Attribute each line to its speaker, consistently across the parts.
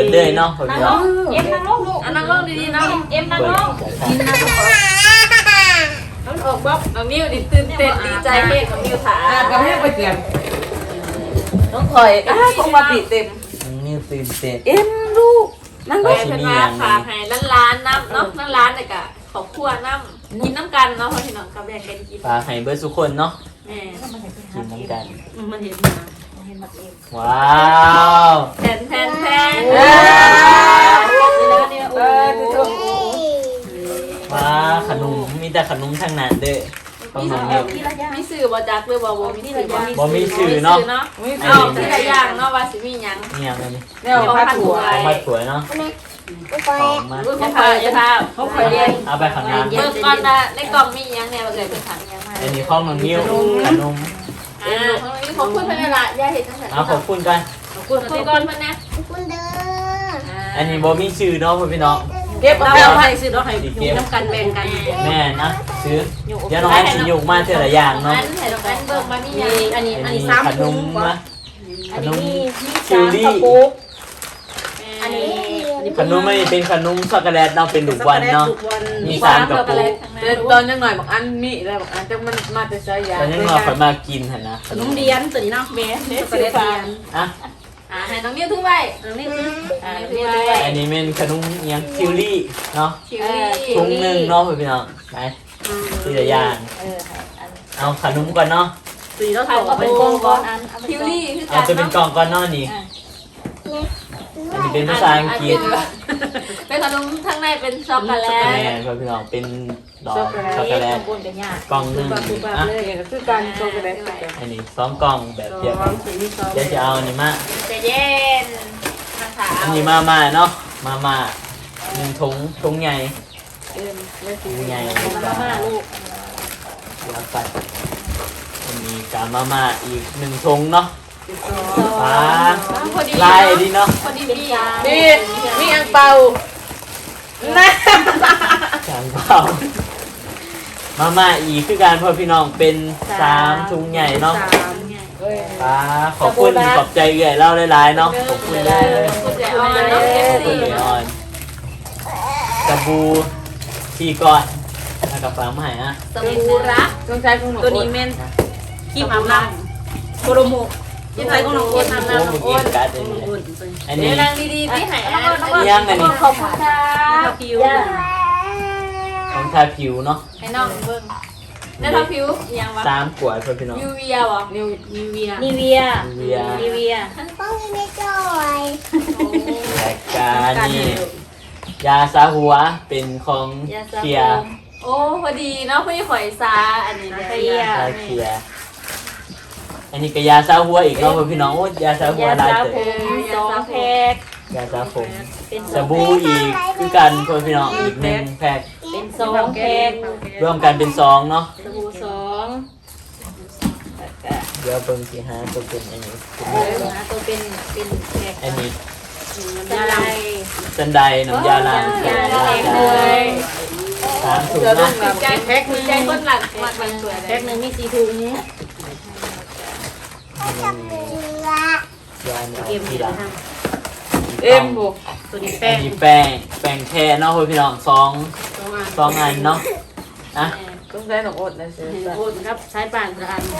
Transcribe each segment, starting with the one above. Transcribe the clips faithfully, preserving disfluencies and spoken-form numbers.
Speaker 1: ดเลยเนาะพ่อ
Speaker 2: นั่ง
Speaker 1: พี่
Speaker 2: ล
Speaker 1: น้อง
Speaker 2: งเอ็มนั่งลงลูก
Speaker 3: อันนั่งลงดีๆเนาะ
Speaker 2: เอ็มนั่ง
Speaker 1: เปิ
Speaker 2: ล
Speaker 1: ด
Speaker 2: ง
Speaker 3: กินนะน้องออกบ๊อบน้องนิ้วดิตื่นเต้นดีใจเฮงน้องนิ้วถา
Speaker 4: อ่านกับให้ไปเตรียม
Speaker 3: น้องคอยอ้าคงมาปิดเต็ม
Speaker 1: นี่ตื่นเต้น
Speaker 3: เอ็มลูกนั่ง
Speaker 1: ก็
Speaker 3: แม่
Speaker 1: สิ
Speaker 3: เป็น
Speaker 1: มี
Speaker 3: ว่า
Speaker 1: อย่าง
Speaker 3: ฝากให้ร้านร้านๆน้ำเนาะนั่งร้านเลยกะขอบครัวน้ำกินน้ำกันเนาะเพราะที่น้องกับแบ่งกันกิน
Speaker 1: ฝากให้เบิร์ดทุกคนเนาะ
Speaker 3: แม่
Speaker 1: กินน้ำกัน
Speaker 3: มันเห็นมา
Speaker 1: ว้าว
Speaker 3: แทนแทนแทน
Speaker 4: เออ
Speaker 3: เออทุกคน
Speaker 1: ว้าขนมมีแต่ขนมทั้งนั้นเด้อของน้องนิว
Speaker 3: มีสื่อบอจักเลยบ่บ่มีสื่อ
Speaker 1: บ่มีสื่อเนาะ
Speaker 4: ไม่
Speaker 3: เอาทีละอย่างเนาะว่าสิมีหยัง
Speaker 1: นี่ยังไงนี่
Speaker 4: แนวผ้าถั่ว
Speaker 1: ของมาสวยเนาะของมา
Speaker 3: ลูกของใครจะทำเขาเคยเรียน
Speaker 1: เอาไปข้างหน้า
Speaker 3: เบิ่งก่อนนะในกล่องมีหยังเนี่ยว่าเกิดเป็นถังยังมา
Speaker 1: อันนี้ข้องน้องนิ้วขนม
Speaker 3: อ่าขอบคุณเพิ่นละย่าเห็นจังซั่น
Speaker 1: เอาขอบคุณกัน
Speaker 3: ขอบคุณขอบคุณก่อนเพิ่นนะ
Speaker 5: คุณเด้อ
Speaker 1: อันนี้บ่มีชื่อเนาะพ่อพี่น้อง
Speaker 4: เก็บ
Speaker 3: เรา
Speaker 4: เอา
Speaker 3: เอา
Speaker 4: ไป
Speaker 3: ให้ซื้อเราให้อยู่น้ำกันแบ่งกัน
Speaker 1: แม่นะซื้อเดี๋ยวน้องแอนสิยกมาเท่าละอย่างเนาะ
Speaker 3: อันให้เรากันเบิ่งมามีหยัง
Speaker 2: อันนี้อันนี้
Speaker 1: ข
Speaker 2: สาม
Speaker 1: น
Speaker 2: ถุง
Speaker 1: มนะขนม
Speaker 2: มี
Speaker 1: ชิลลี่
Speaker 2: สามกระปุก
Speaker 3: อั
Speaker 2: อั
Speaker 3: น
Speaker 2: น
Speaker 3: นี้
Speaker 2: นี้
Speaker 1: ขนมไม่เป็นขนมช็อกโกแลตเนาะเป็นลูกวันเนาะมีสามกระปุก
Speaker 4: ตอนยังหน่อยบอกอันมีอะไรบอกอันแต่มันมาแต่ใช้ยา
Speaker 1: ตอนนี้เราขอยมากินหั่นนะข
Speaker 2: ข
Speaker 1: น
Speaker 2: น
Speaker 1: ม
Speaker 2: มเดียนตัวนี้เนาะเบสเบส
Speaker 3: ช็อกโกแลตเทียน
Speaker 1: อ่ะ
Speaker 3: อ่าให้น้องนิ้วถือไว้น้องนิ้วถืออ่าถือไว้
Speaker 1: อันนี้เป็นขนมอิหยังชิลลี่เนาะ
Speaker 3: ชิลลี่
Speaker 1: ถุงหนึ่งเนาะพี่น้องไปทีละอย่าง
Speaker 3: เอออัน
Speaker 1: เอาขนมก่อนเนาะ
Speaker 2: สีเรา
Speaker 3: ถ่า
Speaker 2: ถ่าย ย
Speaker 3: ก็
Speaker 2: ก็
Speaker 3: เป็
Speaker 2: เป็น น
Speaker 3: ก
Speaker 2: ก
Speaker 3: อ
Speaker 2: อง ง
Speaker 3: ก่
Speaker 2: ก่
Speaker 3: อ
Speaker 2: อน น
Speaker 3: อันชิลลี่คือกั
Speaker 1: เอา
Speaker 3: น
Speaker 1: จะเป็นกล่องก่อนเนาะนี่ อันนี้เป็นภาษาอังกฤษ
Speaker 3: เป็นขนมข้างในเป็นช็อกโกแล
Speaker 1: แม่
Speaker 3: ต
Speaker 1: พี่น้องเป็นดอก
Speaker 4: ช็
Speaker 1: ช็
Speaker 4: อ
Speaker 1: อก ก
Speaker 4: โก
Speaker 1: โก
Speaker 4: แล
Speaker 1: แล
Speaker 4: ต
Speaker 1: ต
Speaker 2: บนกันยาก
Speaker 1: กล่องหนึง
Speaker 4: คือแบบ
Speaker 1: อ่ะ
Speaker 4: เลยคือการโชว์กันได้
Speaker 1: อันนี้สองกล่องแบบเดียวกัน
Speaker 4: สีนี้ซอง
Speaker 1: เดี๋ยวจะเอาอันนี้มา
Speaker 3: จะเย็นมาถา
Speaker 1: อันนี้มาม่าเนาะมาม่าหนึ่งถุงถุงใหญ่
Speaker 4: เอ็มและสี
Speaker 1: ถุงใหญ่
Speaker 2: มาม่าลูก
Speaker 1: เดี๋ยวไปอันนี้กามาม่าอีกหนึ่งถุงเนาะ
Speaker 4: สีซอง
Speaker 1: ฟ้า
Speaker 3: พอดี
Speaker 1: ลายดีเนาะ
Speaker 3: พอดีดี
Speaker 4: ดีมีอังเปานะ
Speaker 1: จางเปล่ามาม่าอีกคือการพ่อพี่น้องเป็นสามถุงใหญ่เนาะ
Speaker 4: สามเอ้ย
Speaker 1: ฟ้าขอบคุณขอบใจเอื่อยเล่าหลายๆเนาะขอบคุณเลย
Speaker 3: คุณเดี๋ยวเอาน้องเอฟ
Speaker 1: ขอบคุ
Speaker 3: ซี
Speaker 1: ณเลยออนสบู่ที่ก่อนแล้วกับฟ้าใหม่อะ
Speaker 3: สบู่รัก
Speaker 4: ต้องใช้ของหนู
Speaker 2: ตัวนี้เมนครีมอาบน้ำโคโรโมยี่ไทยของน้องโอ๊ตทำ
Speaker 1: โอ้
Speaker 2: น้ำน้
Speaker 1: เมื่
Speaker 2: อ
Speaker 1: อง กี้
Speaker 2: โอ๊ต
Speaker 1: การ์ดอันนี้อัน
Speaker 3: เดี๋
Speaker 1: นี้
Speaker 3: ยวนางดีๆที่หายอัน
Speaker 1: ยังอันนี้
Speaker 3: ขอบคุณค่ะ
Speaker 2: ผิว
Speaker 1: ของทาผิวเนาะ
Speaker 3: ให้น้องเบิ้งได้ทำผิวยังวะ
Speaker 1: สามขวดพ่อพี่น้อง
Speaker 3: ยูเวียวะ
Speaker 4: นิว
Speaker 2: นิเวีย
Speaker 3: นิเวีย
Speaker 1: เวีย
Speaker 2: นิเวีย
Speaker 5: ต้องมีไม่จ่อย
Speaker 1: และการนี่ยาซาหัวเป็นของเคียร์
Speaker 3: โอ้พอดีเนาะพี่ข่อยซาอันนี้เลย
Speaker 1: ยาเคียร์อันนี้ก็ยาซาหัวอีกเนาะพ่อพี่น้องโอ้ยาซาหัวย
Speaker 2: า
Speaker 1: ได้
Speaker 2: สระ
Speaker 1: เต
Speaker 2: ผมสองแพ็ค
Speaker 1: ยาซาผม
Speaker 2: เป็น
Speaker 1: สบู่อีกคือกันพ่อพี่น้องอีกหนึ่งแพ็ค
Speaker 2: เป็นสองแพ็ค
Speaker 1: รวมกันเป็นซองเนาะ
Speaker 2: สบู่สอง
Speaker 1: เดี๋ยวเบิ่งสิหาตัวเป็นอันนี้
Speaker 3: เออหาตัวเป็นเป็นแขก
Speaker 1: อันนี้
Speaker 3: น้ำยาล้าง
Speaker 1: จันไดน้ำยาล้าง
Speaker 3: น้ำยาล้างเลย
Speaker 1: สามถุง
Speaker 4: เดี๋ยวต้อ
Speaker 1: นะ
Speaker 4: งแบบแพ็คนึง
Speaker 2: ใจคนหลักมากมันสวย
Speaker 3: แพ็คหนึ่งมีสี่ถุง
Speaker 5: เจือย
Speaker 1: าเนี่ย
Speaker 3: เกม
Speaker 1: ที
Speaker 3: เดี
Speaker 1: ห
Speaker 3: ยว
Speaker 1: ลัง
Speaker 3: ท
Speaker 4: เอ็มบุก
Speaker 3: ำตัวนี้
Speaker 1: อั
Speaker 3: แป้
Speaker 1: น
Speaker 3: ง
Speaker 1: นี้แป้งแป้งแค่เนาะพี่น้องสอง
Speaker 3: ตัวมา
Speaker 1: สองอันเนาะนะ
Speaker 4: ต้องใช้หนองอดนะเสือ
Speaker 3: โอ้ครับใช้ปานกระอัน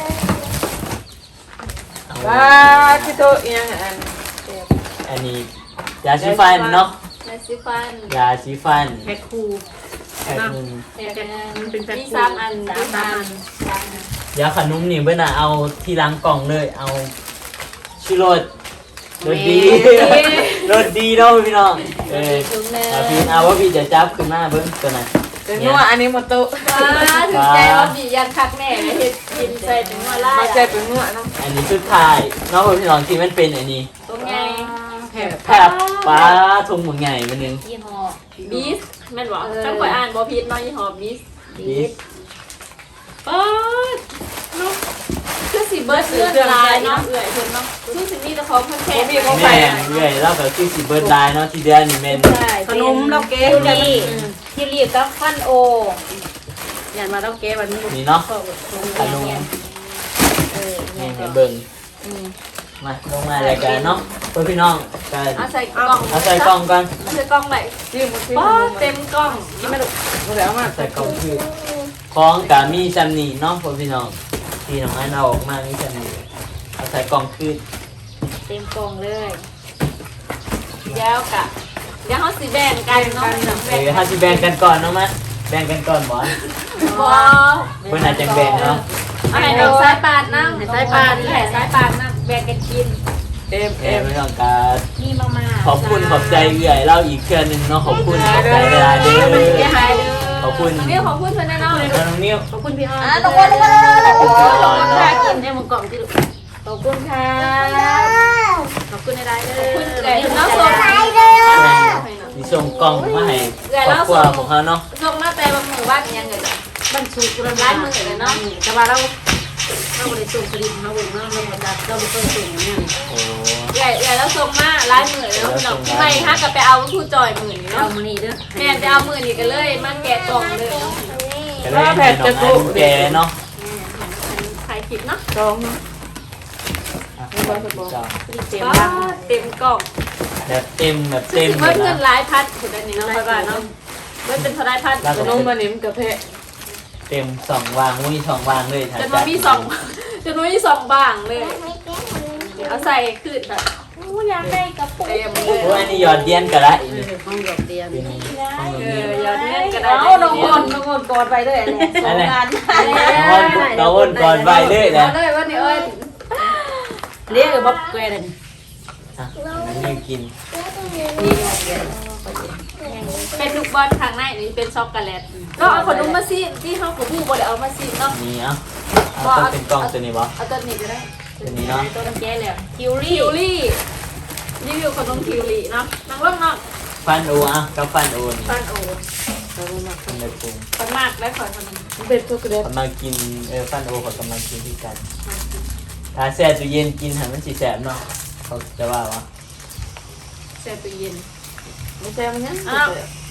Speaker 1: เอา
Speaker 4: ว้าที่โตเอียงอัน
Speaker 1: อันนี้ยาสีฟันเนาะ
Speaker 2: ยาสีฟัน
Speaker 1: ยาสีฟัน
Speaker 3: แพ็คคู
Speaker 1: แพ็คหนึ่ง
Speaker 2: แพ็ค
Speaker 3: มันเป็นแพ็ค
Speaker 2: มี
Speaker 3: คู
Speaker 2: สามอัน
Speaker 3: สาม
Speaker 2: สาม
Speaker 3: อั
Speaker 2: อั
Speaker 3: น
Speaker 2: น
Speaker 1: ยาขนมนี่เบิ่นน่ะเอาที่ล้างกล่องเลยเอาชิโรดรสดีรสดีเนาะพี่น้องเออ
Speaker 3: ถุงหนึ่ง
Speaker 1: เอาพี่เอาว่าพี่จะจับขึ้นมาเบิ่งตัวนั้น
Speaker 4: เป็นนัวอันนี้หมดโต
Speaker 2: ว้าถึงใจว่าบียันคักแม่เลยเห็ดกินใส่ถึงหัวไล่
Speaker 4: มาใจเป็นนัวเนาะ
Speaker 1: อันนี้สุดท้ายเนาะพี่น้องที่มันเป็นอันนี้
Speaker 2: ตรงไง
Speaker 3: แพ็ค
Speaker 1: แพบปลาทุ่งหมึงใหญ่มันนึง
Speaker 3: ยี่ห้อ
Speaker 2: บีสแม่นบอกจังข่อยอ่านบอพีดน้อยยี่ห้อบีส
Speaker 1: บีส
Speaker 2: ป๊าดเนาะคือสีเบิร์ดเลือดลายเนาะเอื่อยเพิ่นเนาะคือสิมีแต่ของเพิ่นแค่มีของ
Speaker 1: แม่เรื่อยแล้วก็คือสิเบิร์ดไลน์เนาะที่เดือนนี่แม่น
Speaker 2: ขนมเราเก๊
Speaker 3: ที่รีที่รีก็ฟันโออย่างมาต้องเก็บวันนี้
Speaker 1: นี่เนาะขนม
Speaker 3: เออ
Speaker 1: นี่ให้เบิ่งมาลงมารายการเนาะเพื่อนพี่น้องก็
Speaker 2: เอาใส่กล่อง
Speaker 1: เอาใส่กล่องก่อน
Speaker 2: เอาใส่กล่องไหน
Speaker 4: จิ้มมาจิ้ม
Speaker 2: ป๊า
Speaker 4: มา
Speaker 2: ดเต็มกล่อง
Speaker 4: จิ้มไม่ถูกมาแล้วมา
Speaker 1: ใส่กล่องคือของกามีจำนี่เนาะเพื่อนพี่น้องที่น้องอันเอาออกมามีจำนี่เอาใส่กล่องคือ
Speaker 3: เต็มกล่องเลย
Speaker 2: เดี๋ยวกะเดี๋ยวเขาสิแบ่งกันเนาะ
Speaker 1: เออถ้าสิแบ่งกันก่อนเนาะมะแบ่งกันก่อนบ่
Speaker 2: บอ
Speaker 1: เพื่อนอาจจะแบ่งเนาะ
Speaker 2: เอาให้น้องสายปานนั่งสายปานนี่แหละสายปานนั่งแบ่งกันกิน
Speaker 4: เอ็ม
Speaker 1: เอ
Speaker 4: เอ็
Speaker 1: อ
Speaker 4: ม
Speaker 1: พี่น้องการ
Speaker 3: มีมามา
Speaker 1: ขอบคุณขอบใจเอื่อยเล่าอีกเทื่อหนึงเนาะขอบคุณขอบใจเวลาเด้อ
Speaker 2: เดี๋ยวหายเด้อ
Speaker 1: ขอบคุณ
Speaker 2: น้องนิ้วขอบคุณเพื่อนแน่นอน
Speaker 1: น้องนิ้ว
Speaker 3: ขอบคุณพี่อ้อม
Speaker 2: อ่ะตกลงตกลง
Speaker 1: ขอบคุณเพื่อนรอน
Speaker 3: ค่า
Speaker 1: เนาะ
Speaker 3: กินให้มึงกล่องที่ลูกขอบคุณค่ะขอบคุณในรายเด้อ
Speaker 2: ขอบคุณเอ๋น้องส่ง
Speaker 1: มีส่งกล่องมาให้ครอบครัวของเขาเนาะ
Speaker 2: ส่งมาแต่บางหมู่บ้านยังไงจ้ะ
Speaker 3: บรรจุกุลร้านมือเลยเนาะแต่ว่าเราเราบริสุทธิ์ผลิตมาบุญเนาะเราบริสุทธิ์เราบริสุทธิ์เนี่ย
Speaker 1: โอ้
Speaker 2: ใหญ่ใหญ่แล้วส่งมาร้านหมื่นแล้วพี่น้องไม่ฮะก็ไปเอาผู้จอยหมื่นนี่
Speaker 3: เรา
Speaker 2: เนาะ
Speaker 3: มานี่เด้อ
Speaker 2: แม่จะเอาหมื่นนี่กันเลยมาแกะกล่องเลยเนาะ
Speaker 1: ก็เลยให้น้องอันแกเนาะ
Speaker 2: ถ่ายคลิปเนาะ
Speaker 4: สองเนาะ
Speaker 1: อ่ะ
Speaker 3: เต็ม
Speaker 2: ก็
Speaker 3: บ้าง
Speaker 2: เต็มกล่อง
Speaker 1: แบบเต็มแบบ
Speaker 2: เต็
Speaker 1: เต็
Speaker 2: ม
Speaker 1: ม
Speaker 2: เบิ
Speaker 1: เล
Speaker 2: ด
Speaker 1: ย
Speaker 2: เงิน
Speaker 1: นะ
Speaker 2: หลายพันถึงอันนี้เนาะไปบ้านเนาะเบิดเป็นเท่าไรพัน
Speaker 4: ขนมมานิ่มกับเพะ
Speaker 1: เต็มสองวางมุ้ยสองวางเลยถ่าย
Speaker 2: จนมันมีสองจนมันมีสองบางเลยเอาใส่คืนแบบ
Speaker 5: อยากได้กระปุก
Speaker 2: เต็มเล
Speaker 1: โอ้
Speaker 2: ย
Speaker 1: อันนี้หยอดเดียนกันละอีก
Speaker 3: ห้องดอกเดียน
Speaker 1: เป็นห้อง
Speaker 2: เอ
Speaker 1: นี้
Speaker 2: ออย่าเนี้ยก็ได้
Speaker 3: เอาน้องคนน้องคนกอดไปด้วยแหละสงการ
Speaker 1: น้องน้องอ้นก่อนไปเลยแหละ
Speaker 2: เอาเลยวันนี้เอ้ย
Speaker 3: เรียกบ๊อบแกรน
Speaker 1: อ่ะนี่กิน
Speaker 3: นี่บ๊อบแกรน
Speaker 2: เป็นลูกบอลข้างในนี่เป็นช็อกโกแลตก็เอาขนมมาซีที่เขาของผู้บริเอามาซีเนาะ
Speaker 1: นี่เอ่ะเอาต้องเป็นกล้องตัวนี้บ่
Speaker 2: เอาตัวนี้ก็ได้
Speaker 1: ตัวนี้เนาะ
Speaker 3: ตัวน้ำแก้แล้วคิว
Speaker 2: ทิ
Speaker 3: รี่
Speaker 2: วลี่รีวิวขนมทิวลี่เนาะนังเรื่องเนาะ
Speaker 1: ฟันโออ่ะกับฟันโอนี่
Speaker 2: ฟันโอ้
Speaker 1: ทำเลยปรุง
Speaker 2: ฟันมากได้ขอขนม
Speaker 4: เป็นช็อกโกแลต
Speaker 1: กำลังกินเออฟันโอเขากำลังกินที่กันถ้าแช่ตู้เย็นกินหันมันสิแสบเนาะเขาจะว่าวะ
Speaker 2: แช่ตู้เย็น
Speaker 4: ไม่ใช่มันยัง
Speaker 2: อ้าว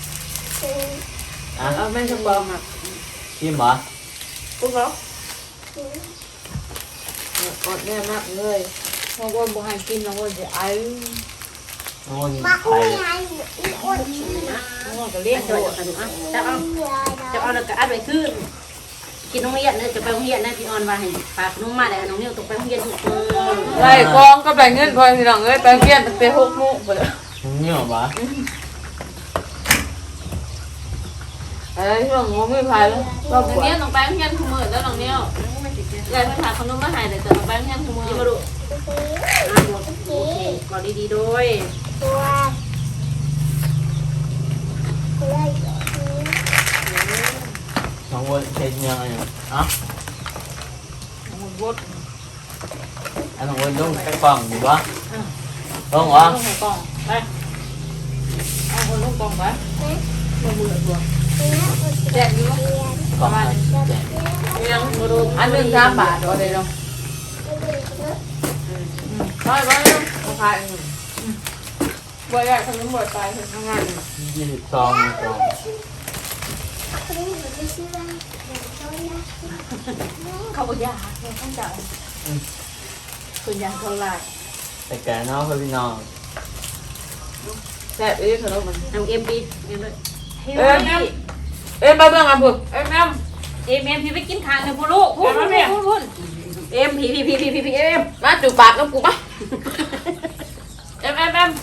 Speaker 1: อ่ะ
Speaker 4: เอาไม่ชอบบอกอ่ะ
Speaker 1: ชิมเหรอ
Speaker 4: ปุ๊บแล้วกดแน่มากเลย
Speaker 3: น้องคนบอกให้กินน้องคนจะไอ้
Speaker 1: โอ้ย
Speaker 5: มา
Speaker 1: ไป
Speaker 5: อุ้ยไอ้อ้วน
Speaker 3: น้องคนก็เลี้ยงโดดกันอ่ะจะเอาจะเอาแล้วก็อัดไว้ขึ้นกินน้องเรียนเนี่ยจะไปโรงเรียนนะพี่ออนว่าให้ฝากน้องมาแล้วน้องนิ้วต้องไปโรงเรียนทุกคน
Speaker 4: ไล่กองก็แบ่งเงินพอพี่น้องเอ้ยไปเรียนตั้งแต่หกโมงไปเลย
Speaker 1: นี่เหรอวะ
Speaker 4: ไอ้ที่เรางงไม่พายแล้วรอบ
Speaker 2: น้อง
Speaker 4: กว่า
Speaker 2: เนี้ยน้องแป้งเฮียนขมือแล้วน้องเนี้ยยายไปถามขนมมาให้เลยแต่น้องแป้งเฮียนขมือ
Speaker 3: ยิ้มมาดูโอเคกอดดีๆด้วย
Speaker 5: ตัวตัว
Speaker 1: น้องวนเช็ดยังไงอ่ะ
Speaker 4: บด
Speaker 1: อันน้องวนต้องไปกล่องอยู่ปะต้องวะ
Speaker 3: ลงหัวกล่องไปเอาคนลงกล่องไปลงมือตัว
Speaker 2: แจกอยู่
Speaker 1: กล่องอันแจก
Speaker 3: ยังมาดู
Speaker 4: อันหนึ่งสามบาทเอาเลยเนาะร้อยร้อยราคาหนึ่ง
Speaker 2: บัวใหญ่ขนมบัวตายเห็น
Speaker 4: ทำงาน
Speaker 1: ยี่สิบสองสอง
Speaker 5: คนนี้เหมือนจะชื่ออะไรเดี๋ยวเขาเรียก
Speaker 3: เขาบอกยาเดี๋ยวต้องจ่ายคุณยาเท่าไร
Speaker 1: แต่แกเนาะพี่น้อง
Speaker 4: แซ่บเอ้ยขนมมัน
Speaker 3: ทำเอ็มบีเอ็มเลย
Speaker 4: เอ้ยเอ้ยไปเบิ่งอ่ะพุ่น
Speaker 2: เอ็มเอ็ม
Speaker 3: เอ็มเอ็มพี่ไปกินทางเลยพูลูกพูดพูดพูดพูดเอ็มพี่พี่พี่พี่พี่พี่เอ็ม
Speaker 4: มาจูบปากน้ำกูปะ
Speaker 2: เอ็มเอ็มเอ็ม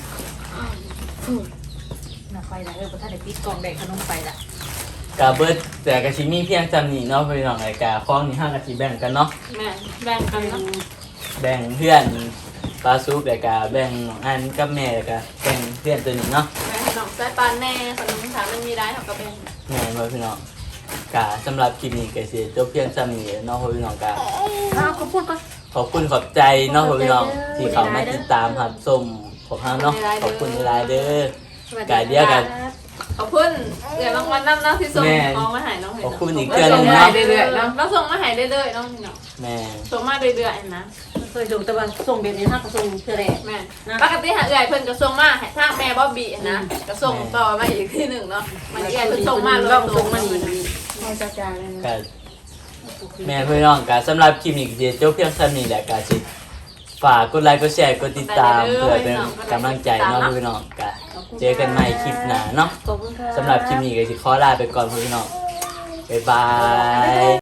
Speaker 3: น่าไปละเออพอท่านได้ปิดกล่องแดงขนมไปละ
Speaker 1: กาเบิร์ดแต่กะชิมีเพียงจำนี่เนาะพี่น้องไอ้กาคล้องนี่ห้ากะชิแบ่งกันเนาะ
Speaker 2: แม่แบ่งกันเนาะ
Speaker 1: แบ่งเพื่อนปลาซุปแต่กาแบ่งน้องอันกับแม่แต่กาแบ่งเพื่อนตัวนี้เนาะ
Speaker 2: แม่ขนมไส้ปลาแน่ขนมถามมันมีได้เท่ากับแบ่ง
Speaker 1: แม่เพื่อนพี่น้องกาสำหรับคลิปนี้ก็สิจบเพียงจำนี่เนาะพี่น้องกา
Speaker 3: อ้าวเขาพูดก่อน
Speaker 1: ขอบคุณขอบใจเนาะพี่น้องที่เขามาติดตามหับส้มของเราเนาะขอบคุณหลายเด้อกาเดียวกัน
Speaker 2: ขอบคุณเดี๋ยวรางวัลน้ำน้ำที่ส่งของมาหายน้องเห็น
Speaker 1: ขอบคุณอีก
Speaker 2: เ
Speaker 1: เทื่อหนึง
Speaker 2: รื่
Speaker 1: เนาะ
Speaker 2: อยๆเนาะเราส่งมาหายเรื่อยๆน้องเนาะ
Speaker 1: แม่
Speaker 2: ส่งมาเรื่อยๆนะ
Speaker 3: เคยส่งตะวันส่งแบบนี้ฮะก็ส่งเท่าไร
Speaker 2: แม่ปกติหาเอื่อยเพิ่นก็ส่งมาให้ทางแม่บ๊อบบี้นะก็ส่งต่อมาอีกที่หนึ่งเนาะมันเอื่อยเพิ่นส่งมาเลย
Speaker 3: เราส่งมาดี
Speaker 4: เอาจ้าจ้าเลยนะ
Speaker 1: กาแม่พี่น้องกาสำหรับคลิปนี้ก็สิจบเพียงเท่านี้แหละกาสิฝากกดไลค์กดแชร์กดติดตามเพื่อเป็นกำลังใจเนาะพี่น้องกาเจอกันใหม่คลิปหน้าเนาะ
Speaker 3: ขอบคุณค่ะ
Speaker 1: สำหรับคลิปนี้ก็สิขอลาไปก่อนพี่น้อง บ๊ายบาย